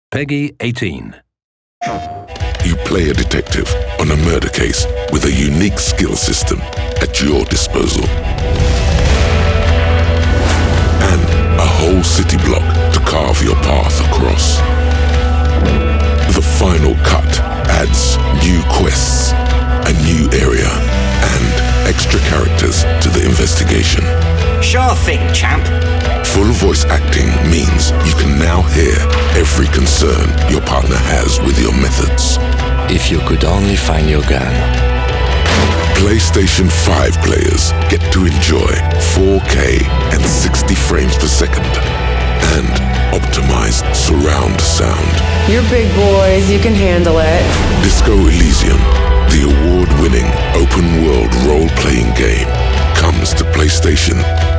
Peggy 18. You play a detective on a murder case with a unique skill system at your disposal. And a whole city block to carve your path across. The final cut adds new quests, a new area, and extra characters to the investigation. Sure thing, champ. Full voice acting means you can now hear every concern your partner has with your methods. If you could only find your gun. PlayStation 5 players get to enjoy 4K and 60 frames per second and optimized surround sound. You're big boys, you can handle it. Disco Elysium, the award-winning open-world role-playing game, comes to PlayStation